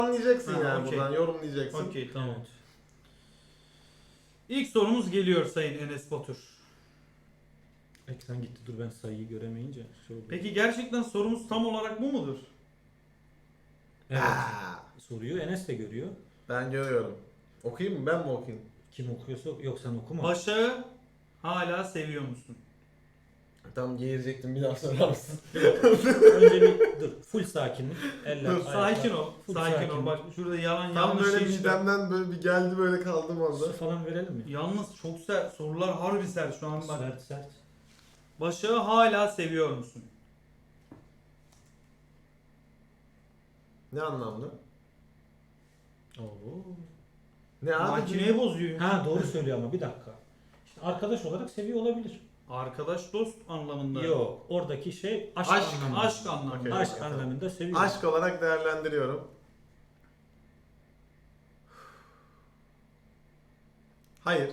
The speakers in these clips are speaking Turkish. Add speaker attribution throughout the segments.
Speaker 1: Anlayacaksın
Speaker 2: Ha,
Speaker 1: yani
Speaker 2: okey.
Speaker 1: buradan yorumlayacaksın.
Speaker 2: Okey tamam.
Speaker 3: Evet.
Speaker 2: İlk sorumuz geliyor Sayın Enes Batur.
Speaker 3: Ekran gitti, dur ben sayıyı göremeyince. Şey oldu.
Speaker 2: Peki gerçekten sorumuz tam olarak bu mudur?
Speaker 3: Evet.
Speaker 1: Aa,
Speaker 3: Soruyu Enes de görüyor.
Speaker 1: ben görüyorum. Okuyayım mı ben mi okuyayım?
Speaker 3: Kim okuyorsa yok, sen okuma.
Speaker 2: Başak'ı hala seviyor musun?
Speaker 1: Tam geğirecektim, bir daha sorar mısın?
Speaker 3: Önce bir dur. Full sakinlik. Eller,
Speaker 1: Dur,
Speaker 2: Sakin
Speaker 3: ayaklar.
Speaker 2: ol.
Speaker 3: Full
Speaker 2: Sakin ol.
Speaker 3: sakinlik.
Speaker 2: Bak şurada yalan
Speaker 1: Tam
Speaker 2: yanlış
Speaker 1: böyle
Speaker 2: şey çıkar.
Speaker 1: midemden böyle bir geldi, böyle kaldım orada.
Speaker 3: Su falan verelim mi?
Speaker 2: Yalnız çok sert. Sorular harbi sert şu an bak.
Speaker 3: Sert sert.
Speaker 2: Başak'ı hala seviyor musun?
Speaker 1: Ne anlamda?
Speaker 3: Oo.
Speaker 1: Ne abi?
Speaker 2: Makineyi bozuyor.
Speaker 3: Ha doğru söylüyor ama bir dakika. İşte arkadaş olarak seviyor olabilir.
Speaker 2: Arkadaş dost anlamında.
Speaker 3: Yok. Oradaki şey aşk,
Speaker 1: Aşk,
Speaker 3: anlamında.
Speaker 2: Aşk anlamında.
Speaker 1: Okey.
Speaker 3: Aşk
Speaker 1: Tamam.
Speaker 3: anlamında seviyor.
Speaker 1: Aşk olarak değerlendiriyorum. Hayır.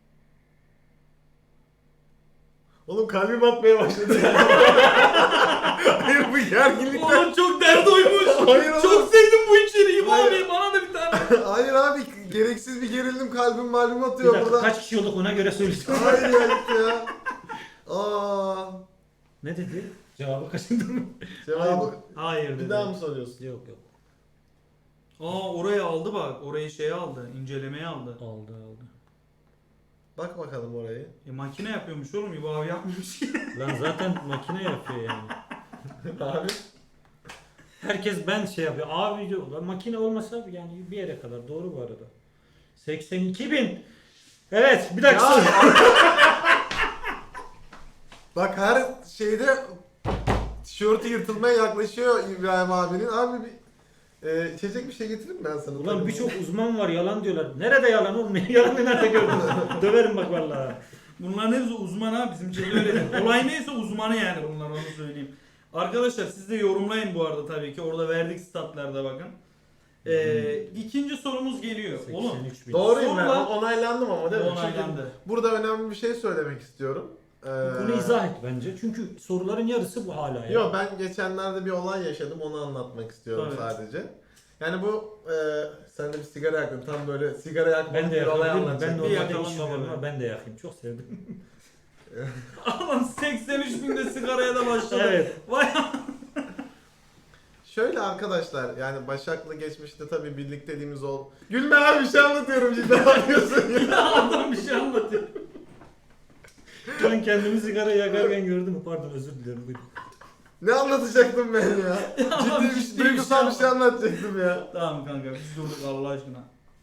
Speaker 1: Oğlum kalbim atmaya başladı. Hayır, bu gerginlikten.
Speaker 2: Oğlum çok dert oymuş.
Speaker 1: Hayır oğlum.
Speaker 2: Çok sevdim bu içeriği.
Speaker 1: Hayır.
Speaker 2: Abi bana da bir tane.
Speaker 1: Hayır abi, gereksiz bir gerildim, kalbim malum
Speaker 3: Bir
Speaker 1: atıyor
Speaker 3: dakika,
Speaker 1: burada.
Speaker 3: kaç kişi olduk ona göre söyleyeceğim.
Speaker 1: Hayır ya, gitti ya. Aa,
Speaker 3: Ne dedi? Cevabı kaçırdın mı?
Speaker 1: cevabı
Speaker 2: Hayır
Speaker 1: bir
Speaker 2: dedi.
Speaker 1: daha mı soruyorsun?
Speaker 3: Yok yok.
Speaker 2: Orayı aldı bak. Orayı şey aldı. İncelemeye aldı.
Speaker 3: Aldı aldı.
Speaker 1: Bak bakalım orayı.
Speaker 2: Makine yapıyormuş oğlum. İbo abi yapmamış ki.
Speaker 3: Lan zaten makine yapıyor yani.
Speaker 1: Abi.
Speaker 3: Herkes ben şey yapıyor. Abi diyor. Lan makine olmasa yani bir yere kadar. Doğru bu arada. 82.000. Evet bir dakika.
Speaker 1: Ya.
Speaker 3: soru.
Speaker 1: Bak her şeyde tişörtü yırtılmaya yaklaşıyor İbrahim abinin. Abi bir içecek bir şey getireyim ben sana.
Speaker 3: Ulan
Speaker 1: Tabii.
Speaker 3: birçok uzman var yalan diyorlar. Nerede yalan oğlum? Yalanı nerede gördün? Döverim bak vallahi.
Speaker 2: Bunların hepsi uzman ha. Bizim şeyde öyle değil. Olay neyse uzmanı yani bunlar, onu söyleyeyim. Arkadaşlar siz de yorumlayın bu arada tabii ki. Orada verdik statlarda bakın. İkinci sorumuz geliyor. Oğlum
Speaker 3: 83.000.
Speaker 1: Doğruyum ben.
Speaker 2: Sonra-
Speaker 1: Onaylandım ama değil mi?
Speaker 2: onaylandı.
Speaker 1: Çünkü burada önemli bir şey söylemek istiyorum.
Speaker 3: Bunu izah et bence. Çünkü soruların yarısı bu hala ya.
Speaker 1: Yok, ben geçenlerde bir olay yaşadım, onu anlatmak istiyorum
Speaker 2: Tabii.
Speaker 1: sadece. Yani bu sen de bir sigara yaktın, tam böyle sigara yakmalı
Speaker 3: Ben de
Speaker 1: bir olay
Speaker 3: yakayım. Ben
Speaker 1: anlatacağım.
Speaker 3: normalde
Speaker 2: yakalım
Speaker 3: işim var
Speaker 2: bize
Speaker 3: ama
Speaker 2: be.
Speaker 3: ben de yakayım. Çok sevdim.
Speaker 2: Adam 83 binde sigaraya da başladı.
Speaker 3: Evet.
Speaker 2: Vay
Speaker 1: Şöyle arkadaşlar, yani Başak'la geçmişte tabii birlikteliğimiz ol. Gülme abi, bir şey anlatıyorum, cidden anlıyorsun ya.
Speaker 2: adam bir şey anlatıyor.
Speaker 3: Ben kendimi sigara yakarken gördüm. Pardon özür dilerim. Buyurun.
Speaker 1: Ne anlatacaktım ben ya?
Speaker 2: Adam
Speaker 1: Ciddi
Speaker 2: ciddi
Speaker 1: bir duygusal bir şey anlatacaktım ya.
Speaker 2: Tamam kanka biz durduk Allah aşkına.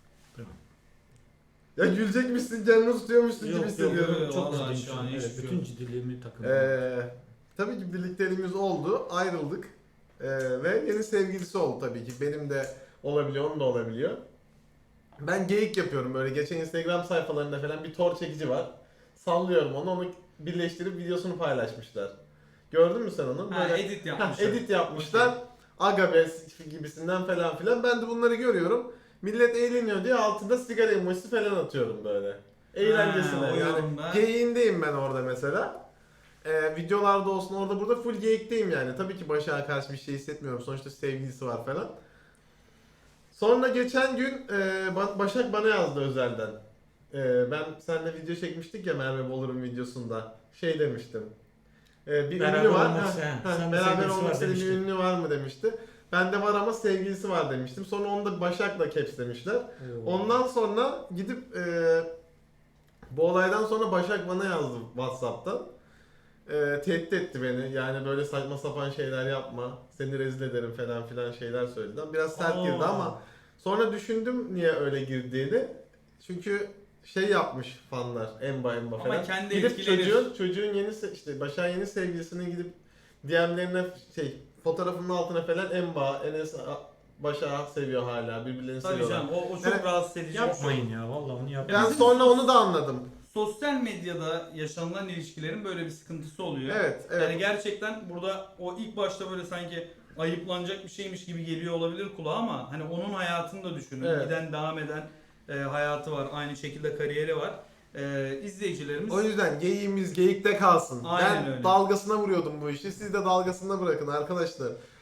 Speaker 1: Ya gülecekmişsin, canını tutuyormuşsun gibi
Speaker 3: Yok,
Speaker 1: hissediyorum.
Speaker 2: yok.
Speaker 3: Çok
Speaker 2: Vallahi
Speaker 3: ciddiyim
Speaker 2: şu an
Speaker 3: şu an. Evet,
Speaker 2: hiçbir
Speaker 3: bütün
Speaker 2: yok.
Speaker 3: ciddiliğimi takındım.
Speaker 1: Tabii ki birlikteliğimiz oldu, ayrıldık. Ve yeni sevgilisi oldu tabii ki. Benim de olabiliyor, onun da olabiliyor. Ben geyik yapıyorum böyle. Geçen Instagram sayfalarında falan bir tor çekici var. Sallıyorum onu birleştirip videosunu paylaşmışlar. Gördün mü sen onu?
Speaker 2: Ha,
Speaker 1: Böyle
Speaker 2: edit yapmışlar.
Speaker 1: edit yapmışlar. Agabes gibisinden falan filan. Ben de bunları görüyorum. Millet eğleniyor diye altında sigara emojisi falan atıyorum böyle. Eğlencesine.
Speaker 2: Ha, o
Speaker 1: Yani
Speaker 2: yorumda.
Speaker 1: geyiğindeyim ben orada mesela. Videolarda olsun, orada burada full geyikteyim yani. Tabii ki Başak'a karşı bir şey hissetmiyorum. Sonuçta sevgilisi var falan. Sonra geçen gün Başak bana yazdı özelden. Ben seninle video çekmiştik ya, Merve Bolur'un videosunda. Şey demiştim. Bir
Speaker 3: Beraber
Speaker 1: ünlü var.
Speaker 3: olmak
Speaker 1: Ha,
Speaker 3: sen-
Speaker 1: ha,
Speaker 3: sen de
Speaker 1: beraber
Speaker 3: sevgilisi
Speaker 1: olmak
Speaker 3: var
Speaker 1: istediğin bir
Speaker 3: demiştin.
Speaker 1: ünlü var mı demişti. Bende var ama sevgilisi var demiştim. Sonra onu da Başak'la capslemişler. Ondan sonra gidip bu olaydan sonra Başak bana yazdı WhatsApp'tan. Tehdit etti beni. Yani böyle saçma sapan şeyler yapma. Seni rezil ederim falan filan şeyler söyledi. Biraz sert girdi ama sonra düşündüm niye öyle girdiğini. Çünkü şey yapmış fanlar, emba falan.
Speaker 2: Ama kendi
Speaker 1: gidip
Speaker 2: etkilenir.
Speaker 1: çocuğun işte Başak'ın yeni sevgilisine gidip DM'lerine fotoğrafının altına falan emba, Enes Başak'ı seviyor hala, birbirlerini
Speaker 2: Tabii
Speaker 1: seviyorlar.
Speaker 2: canım o çok
Speaker 1: Yani
Speaker 2: rahatsız edici. bir şey.
Speaker 3: Yapmayın ya vallahi onu yapmayın.
Speaker 1: Ben
Speaker 2: bizim-
Speaker 1: sonra onu da anladım.
Speaker 2: Sosyal medyada yaşanılan ilişkilerin böyle bir sıkıntısı oluyor.
Speaker 1: Evet, evet.
Speaker 2: Yani gerçekten burada o ilk başta böyle sanki ayıplanacak bir şeymiş gibi geliyor olabilir kulağa ama hani onun hayatını da düşünün.
Speaker 1: Evet.
Speaker 2: Giden devam eden hayatı var. Aynı şekilde kariyeri var. İzleyicilerimiz
Speaker 1: O yüzden geyiğimiz geyikte kalsın.
Speaker 2: Aynen
Speaker 1: Ben
Speaker 2: öyle.
Speaker 1: dalgasına vuruyordum bu işi. Siz de dalgasına bırakın arkadaşlar.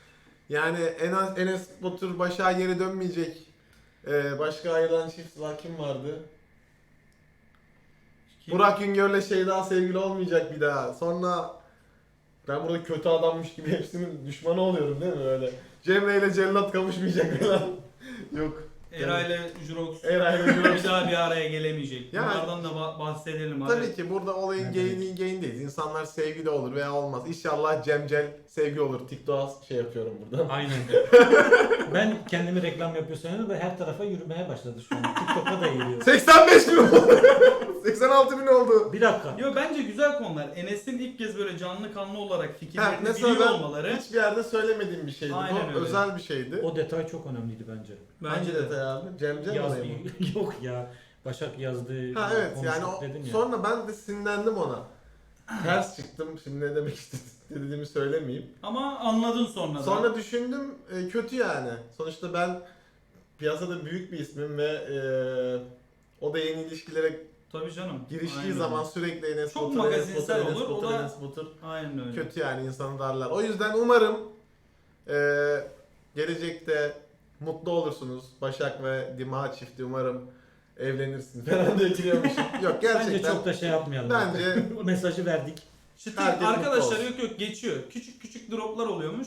Speaker 1: Yani Enes Batur Başak'a geri dönmeyecek. Başka ayrılan çift var, kim vardı?
Speaker 2: Kim?
Speaker 1: Burak Güngör'le Şeyda sevgili olmayacak bir daha. Sonra ben burada kötü adammış gibi hepsinin düşmanı oluyorum değil mi öyle? Cemre ile Cellat kavuşmayacak falan. Yok.
Speaker 2: Eray ile Jurox
Speaker 1: Eray ile Jurox.
Speaker 2: bir daha bir araya gelemeyecek.
Speaker 1: Yani-
Speaker 2: Bunlardan da bahsedelim abi.
Speaker 1: Tabii ki burada olayın
Speaker 3: Evet.
Speaker 1: geyindeyiz. İnsanlar sevgili olur veya olmaz. İnşallah Cemcel sevgi olur. TikTok'a şey yapıyorum burada.
Speaker 3: Aynen. Ben kendimi reklam yapıyor sanıyorum ve her tarafa yürümeye başladı şu an. TikTok'a da geliyor.
Speaker 1: 85 bin oldu. 86 bin oldu.
Speaker 3: Bir dakika.
Speaker 2: Yo bence güzel konular. Enes'in ilk kez böyle canlı kanlı olarak
Speaker 1: Ha,
Speaker 2: fikirlerini
Speaker 1: mesela
Speaker 2: biliyor
Speaker 1: ben
Speaker 2: olmaları.
Speaker 1: hiçbir yerde söylemediğim bir şeydi.
Speaker 2: Aynen
Speaker 1: Bu
Speaker 2: öyle.
Speaker 1: özel bir şeydi.
Speaker 3: O detay çok önemliydi bence.
Speaker 1: Hangi detay abi? Cemcel
Speaker 3: Yazdı.
Speaker 1: olayı mı?
Speaker 3: Yok ya. Başak yazdı.
Speaker 1: Ha evet yani
Speaker 3: konuştuk dedin ya.
Speaker 1: sonra ben de sinirlendim ona. Ters çıktım. Şimdi ne demek istediğimi söylemeyeyim.
Speaker 2: Ama anladın sonra da.
Speaker 1: Sonra düşündüm kötü yani. Sonuçta ben piyasada büyük bir ismim ve o da yeni ilişkilere
Speaker 2: Tabii canım.
Speaker 1: giriştiği
Speaker 2: Aynen
Speaker 1: zaman
Speaker 2: öyle.
Speaker 1: sürekli Enes
Speaker 2: Çok
Speaker 1: Batur, Enes
Speaker 2: magazinsel
Speaker 1: Batur, Enes
Speaker 2: olur, o
Speaker 1: Batur,
Speaker 2: da-
Speaker 1: Enes Batur.
Speaker 2: Aynen öyle.
Speaker 1: Kötü yani insanı darlar. O yüzden umarım gelecekte mutlu olursunuz. Başak ve Dima çifti umarım evlenirsin falan diye giriyormuşum. Yok gerçekten.
Speaker 3: Bence çok da şey yapmayalım.
Speaker 1: Bence
Speaker 3: O mesajı verdik.
Speaker 2: Çıtır
Speaker 1: Herkes mutlu
Speaker 2: arkadaşlar
Speaker 1: olsun.
Speaker 2: yok geçiyor. Küçük küçük droplar oluyormuş.